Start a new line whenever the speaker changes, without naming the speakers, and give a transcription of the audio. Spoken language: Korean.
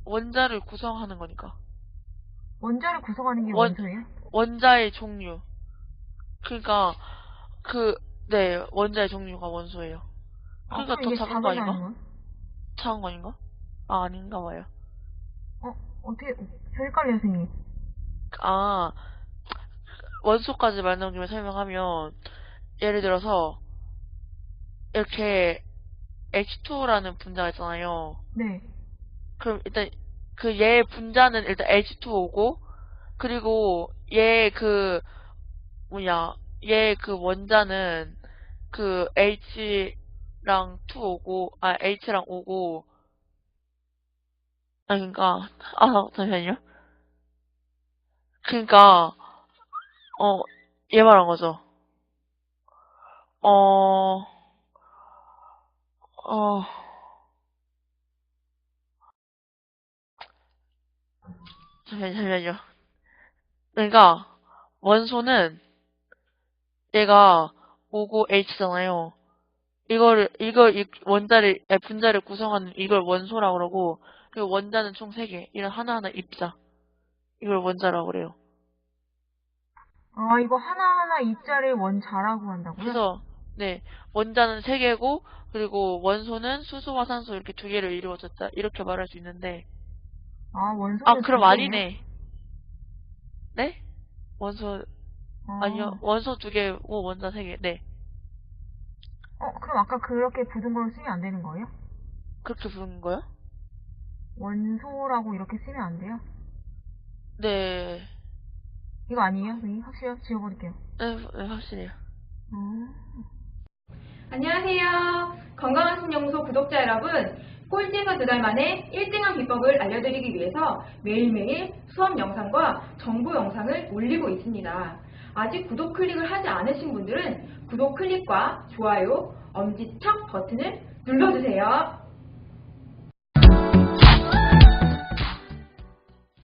원자를 구성하는 거니까.
원자를 구성하는 게
원,
원소예요?
원자의 종류. 그러니까, 네, 원자의 종류가 원소예요.
아,
그러니까
그럼
더
이게
작은 거
작은 게
아닌가?
아니면?
작은 거 아닌가? 아, 아닌가 봐요.
어떻게, 저 헷갈려요, 선생님.
아, 원소까지 말 나온 김에 설명하면, 예를 들어서, 이렇게 H2라는 분자가 있잖아요.
네.
그럼 일단, 얘 분자는 일단 H2O고, 그리고 얘 원자는 H랑 2오고, H랑 오고, 그러니까, 잠시만요. 그러니까, 어, 얘 말한 거죠. 어, 어, 잠시만요. 그러니까, 원소는 얘가 오고 H잖아요. 분자를 구성하는 이걸 원소라고 그러고, 그리고 원자는 총 3개. 이런 하나하나 입자. 이걸 원자라고 그래요.
아, 이거 하나하나 입자를 원자라고 한다고요?
그래서, 네, 원자는 3개고, 그리고 원소는 수소와 산소 이렇게 2개를 이루어졌다. 이렇게 말할 수 있는데,
아, 원소는 두
그럼
개예요?
아니네. 네? 원소, 아니요,
어,
원소 2개고, 원자 3개. 네.
그럼 아까 그렇게 부른 걸로 쓰면 안 되는 거예요?
그렇게 부른 거요?
원소라고 이렇게 쓰면 안 돼요?
네.
이거 아니에요? 선생님? 확실해요? 지워버릴게요.
네, 네, 확실해요.
어.
안녕하세요. 건강한 신연구소 구독자 여러분. 꼴찌에서 2달 만에 1등한 비법을 알려드리기 위해서 매일매일 수업 영상과 정보 영상을 올리고 있습니다. 아직 구독 클릭을 하지 않으신 분들은 구독 클릭과 좋아요, 엄지척 버튼을 눌러주세요.